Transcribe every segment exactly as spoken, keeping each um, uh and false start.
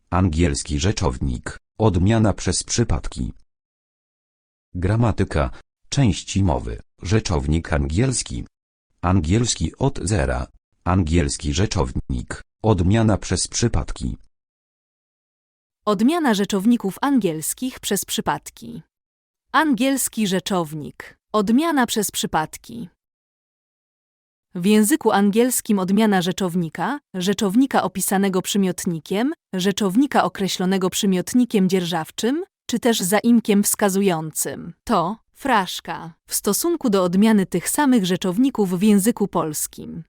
Angielski rzeczownik. Odmiana przez przypadki. Gramatyka. Części mowy. Rzeczownik angielski. Angielski od zera. Angielski rzeczownik. Odmiana przez przypadki. Odmiana rzeczowników angielskich przez przypadki. Angielski rzeczownik. Odmiana przez przypadki. W języku angielskim odmiana rzeczownika, rzeczownika opisanego przymiotnikiem, rzeczownika określonego przymiotnikiem dzierżawczym, czy też zaimkiem wskazującym, to fraszka w stosunku do odmiany tych samych rzeczowników w języku polskim.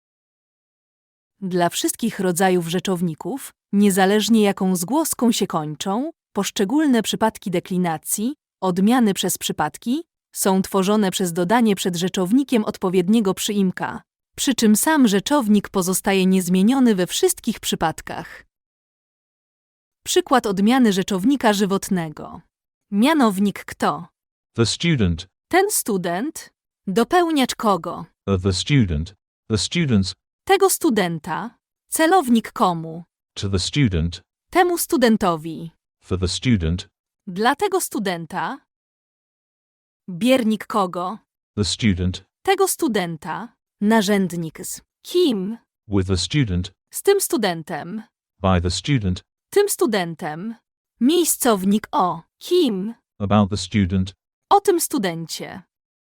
Dla wszystkich rodzajów rzeczowników, niezależnie jaką zgłoską się kończą, poszczególne przypadki deklinacji, odmiany przez przypadki, są tworzone przez dodanie przed rzeczownikiem odpowiedniego przyimka, przy czym sam rzeczownik pozostaje niezmieniony we wszystkich przypadkach. Przykład odmiany rzeczownika żywotnego. Mianownik kto? The student. Ten student. Dopełniacz kogo? Of the student. The students. Tego studenta. Celownik komu? To the student. Temu studentowi. For the student. Dla tego studenta. Biernik kogo? The student. Tego studenta. Narzędnik z kim? With the student. Z tym studentem. By the student. Tym studentem. Miejscownik o kim? About the student. O tym studencie.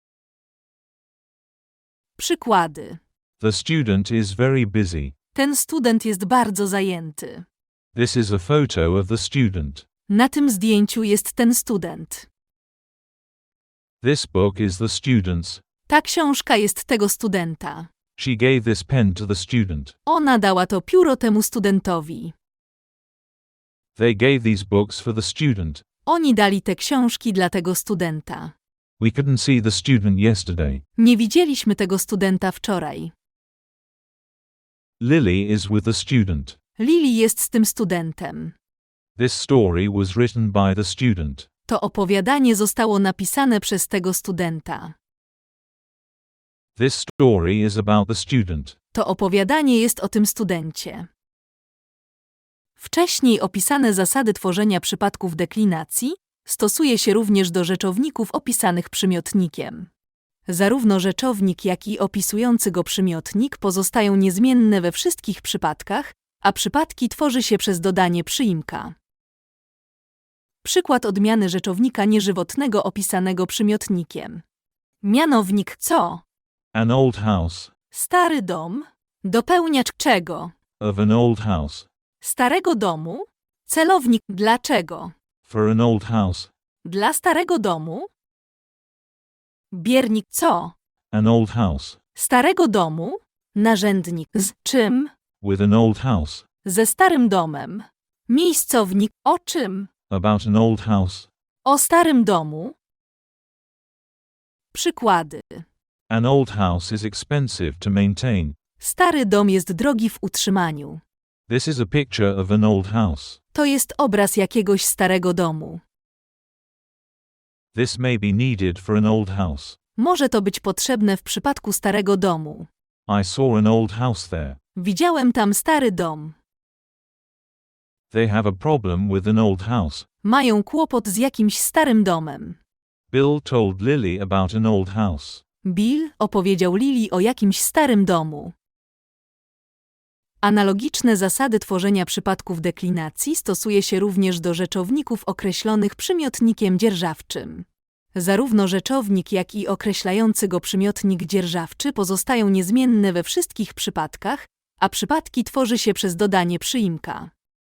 Przykłady. The student is very busy. Ten student jest bardzo zajęty. This is a photo of the student. Na tym zdjęciu jest ten student. This book is the student's. Ta książka jest tego studenta. She gave this pen to the student. Ona dała to pióro temu studentowi. They gave these books for the student. Oni dali te książki dla tego studenta. We couldn't see the student yesterday. Nie widzieliśmy tego studenta wczoraj. Lily is with the student. Lily jest z tym studentem. This story was written by the student. To opowiadanie zostało napisane przez tego studenta. This story is about the student. To opowiadanie jest o tym studencie. Wcześniej opisane zasady tworzenia przypadków deklinacji stosuje się również do rzeczowników opisanych przymiotnikiem. Zarówno rzeczownik, jak i opisujący go przymiotnik pozostają niezmienne we wszystkich przypadkach, a przypadki tworzy się przez dodanie przyimka. Przykład odmiany rzeczownika nieżywotnego opisanego przymiotnikiem. Mianownik co? An old house. Stary dom. Dopełniacz czego? Of an old house. Starego domu. Celownik dlaczego? For an old house. Dla starego domu. Biernik co? An old house. Starego domu. Narzędnik z czym? With an old house. Ze starym domem. Miejscownik o czym? About an old house. O starym domu. Przykłady. An old house is expensive to maintain. Stary dom jest drogi w utrzymaniu. This is a picture of an old house. To jest obraz jakiegoś starego domu. This may be needed for an old house. Może to być potrzebne w przypadku starego domu. I saw an old house there. Widziałem tam stary dom. They have a problem with an old house. Mają kłopot z jakimś starym domem. Bill told Lily about an old house. Bill opowiedział Lily o jakimś starym domu. Analogiczne zasady tworzenia przypadków deklinacji stosuje się również do rzeczowników określonych przymiotnikiem dzierżawczym. Zarówno rzeczownik, jak i określający go przymiotnik dzierżawczy pozostają niezmienne we wszystkich przypadkach, a przypadki tworzy się przez dodanie przyimka.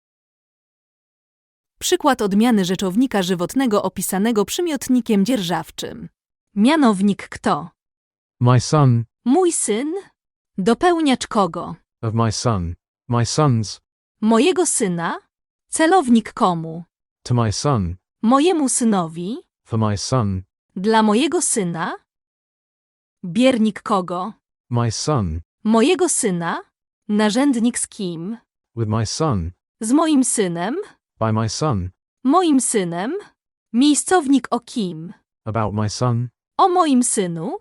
Przykład odmiany rzeczownika żywotnego opisanego przymiotnikiem dzierżawczym. Mianownik kto? My son. Mój syn. Dopełniacz kogo? Of my son. My sons. Mojego syna. Celownik komu? To my son. Mojemu synowi. For my son. Dla mojego syna. Biernik kogo? My son. Mojego syna. Narzędnik z kim? With my son. Z moim synem. By my son. Moim synem. Miejscownik o kim? About my son. O moim synu.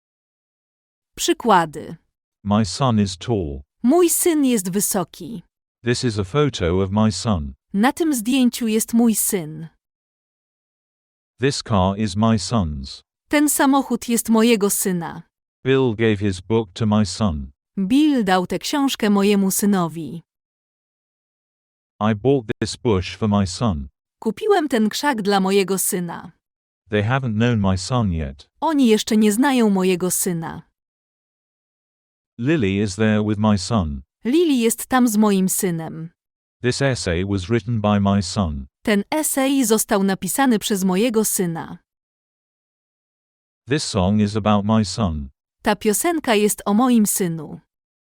Przykłady. My son is tall. Mój syn jest wysoki. This is a photo of my son. Na tym zdjęciu jest mój syn. This car is my son's. Ten samochód jest mojego syna. Bill gave his book to my son. Bill dał tę książkę mojemu synowi. I bought this bush for my son. Kupiłem ten krzak dla mojego syna. They haven't known my son yet. Oni jeszcze nie znają mojego syna. Lily is there with my son. Lily jest tam z moim synem. This essay was written by my son. Ten esej został napisany przez mojego syna. This song is about my son. Ta piosenka jest o moim synu.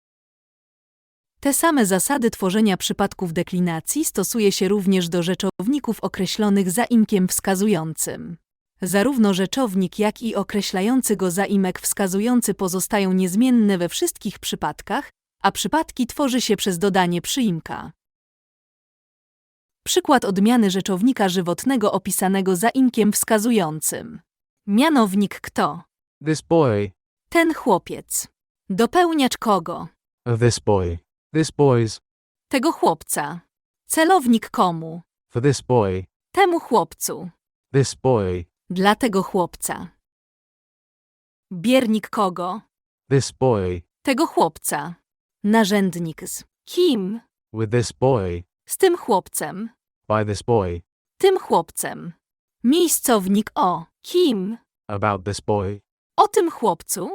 Te same zasady tworzenia przypadków deklinacji stosuje się również do rzeczowników określonych zaimkiem wskazującym. Zarówno rzeczownik, jak i określający go zaimek wskazujący pozostają niezmienne we wszystkich przypadkach, a przypadki tworzy się przez dodanie przyimka. Przykład odmiany rzeczownika żywotnego opisanego zaimkiem wskazującym. Mianownik kto? This boy. Ten chłopiec. Dopełniacz kogo? Of this boy. This boy's. Tego chłopca. Celownik komu? For this boy. Temu chłopcu. This boy. Dla tego chłopca. Biernik kogo? This boy. Tego chłopca. Narzędnik z kim? With this boy. Z tym chłopcem. By this boy. Tym chłopcem. Miejscownik o kim? About this boy. O tym chłopcu.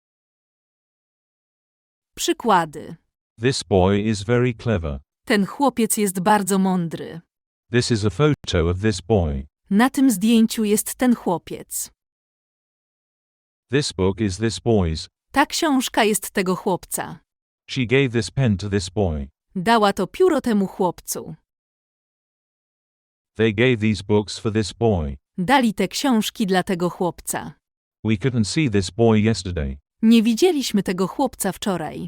Przykłady. This boy is very clever. Ten chłopiec jest bardzo mądry. This is a photo of this boy. Na tym zdjęciu jest ten chłopiec. This book is this boy's. Ta książka jest tego chłopca. She gave this pen to this boy. Dała to pióro temu chłopcu. They gave these books for this boy. Dali te książki dla tego chłopca. We couldn't see this boy yesterday. Nie widzieliśmy tego chłopca wczoraj.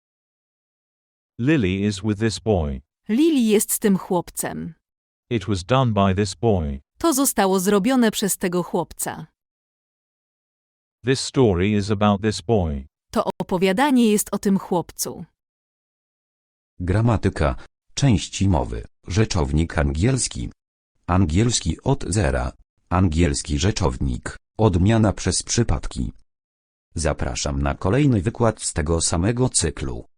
Lily is with this boy. Lily jest z tym chłopcem. It was done by this boy. To zostało zrobione przez tego chłopca. This story is about this boy. To opowiadanie jest o tym chłopcu. Gramatyka. Części mowy. Rzeczownik angielski. Angielski od zera. Angielski rzeczownik. Odmiana przez przypadki. Zapraszam na kolejny wykład z tego samego cyklu.